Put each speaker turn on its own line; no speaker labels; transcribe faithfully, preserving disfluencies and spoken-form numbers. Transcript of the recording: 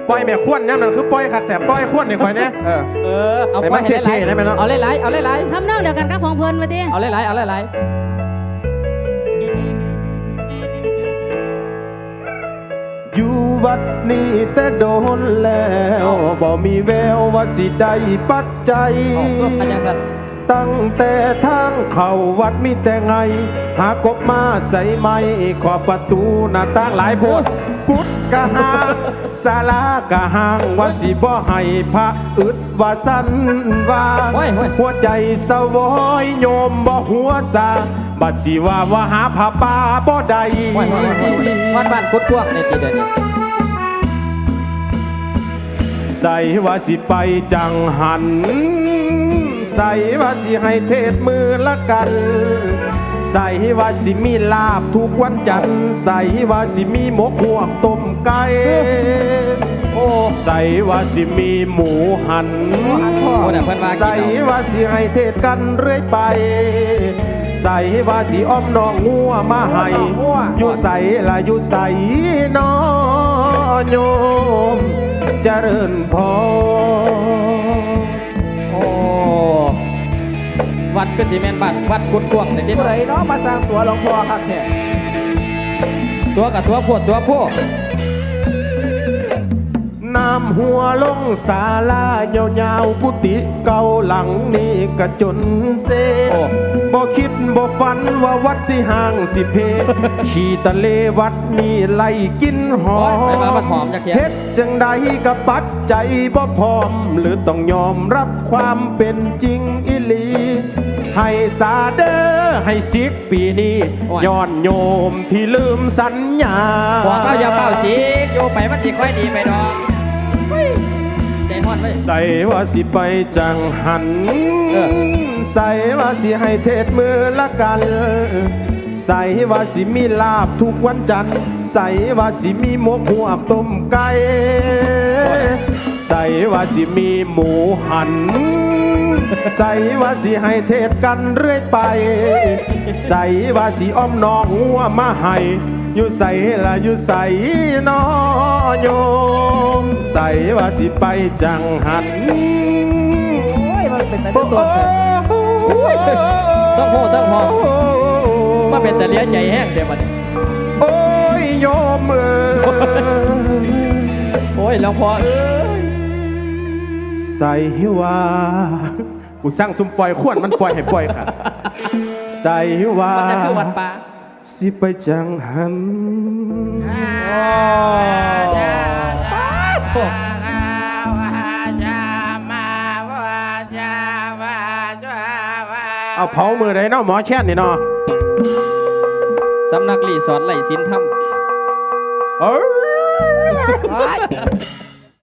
ปล่อยแม่ขวนย่ำนั่นคือปล่อยคักแต่ปล่อยขวนนี่คอยเนี่ยเออ
เออเอา
ให้
ไป
มัน
ให้หลาย
เท่ๆได้ไหมเนาะ
เอาหลายๆเอาหลาย
ทำนองเดียวกันกับของเพิ่นมาดิ
ๆเอาหลายๆเอาหลาย
อยู่วัดนี้แต่โดนแล้วบ่มีแววว่าสิได้ปัจจัย
ๆเอาอาจารย์สัน
ตั้งแต่ทางเข้าวัดมีแต่ไง หากบมาใส่ไม้ขอบประตูหน้าต่างหลายโพดกุดกะหางศาลากะหางว่าสิบ่ให้พระอึดว่าสันว่าหัวใจสวอยโยมบ่หัวซาบัดสิว่าว่าหาผ้าป่าบ่ได้
ว้ายวัดบ้านกุดกวางในตีเดียวนี้
ใส่ว่าสิไปจังหันใส่ว่าสิให้เทศมือละกันใส่ว่าสิมีลาบทุกวันจันทร์ใส่ว่าสิมีหมกหวกต้มไก่โอ้ใส่ว่าสิมีหมูหัน
โอ้เดี๋ยวเพิ่นว่ากิน
ใส่
เอา
ว่าสิให้เทศกันเรื่อยไป ใส่ว่าสิอ้อมน้องงัวมาให้อยู่ใส่ละอยู่ใส่นอโยมเจริญพร
โอ้วัดก็สิแม่นบ้านวัดกุดกวางในตี
ผู้ใดเนาะมาสร้างตัวหลวงพ่อครับเนี่ย
ตัวกับตัวพวดตัวพวด
น้ำหัวลงศาลายาวๆกุฏิเก่าหลังนี้กระจนเซบ่คิดบ่ฝันว่าวัดสิห่างสิเพ ขี่ตะเลวัดมีไล่กินหอ
โอ้ยไปมาบัดหอ
ม
มจักเทีย
เฮ็ดจังใดกับปัดใจบ่พร้อม หรือต้องยอมรับความเป็นจริงอิลี ให้สาเดอให้สิกปีนี้ย้อนโยมที่ลืมสัญญา
บอกเขาอย่าเป่าสีกโยไปมันสิค่อยดีไปดอกใจฮ้อนไว้
ใส่ว่าสิไปจังหัน
เออ
ใส่ว่าสิให้เทศมือละกัน ใส่ว่าสิมีลาบทุกวันจันทร์ใส่ว่าสิมีหมกหัวกต้มไก่ใส่ว่าสิมีหมูหัน ใส่ว่าสิให้เทศกันเรื่อยไป ใส่ว่าสิอ้อมน้องหัวมาให้อยู่ใส่ละอยู่ใส่นอโยมใส่ว่าสิไปจังหัน
โอ้ยมันเป็นแต่เรื่องตัวเถอะ
ต้องโหต้องหอมมาเป็นแต่เลี้ยใจแห้งเดี๋ยวมัน
โอ้ยโยมเอ้ย
โอ้ยหลวงพ่อเอ้ย
ใส่ว่ากูสร้างซุมปล่อยขวนมันปล่อยให้ปล่อยค่ะ ใส่ว่า
มันได้คือวัดป่า
สิไปจังหัน เอาเผามือได้เนาะหมอแช่นนี่เนาะ
สำนักรีสอร์ทไหลสินธรรม
เอ้ย
โอ้ย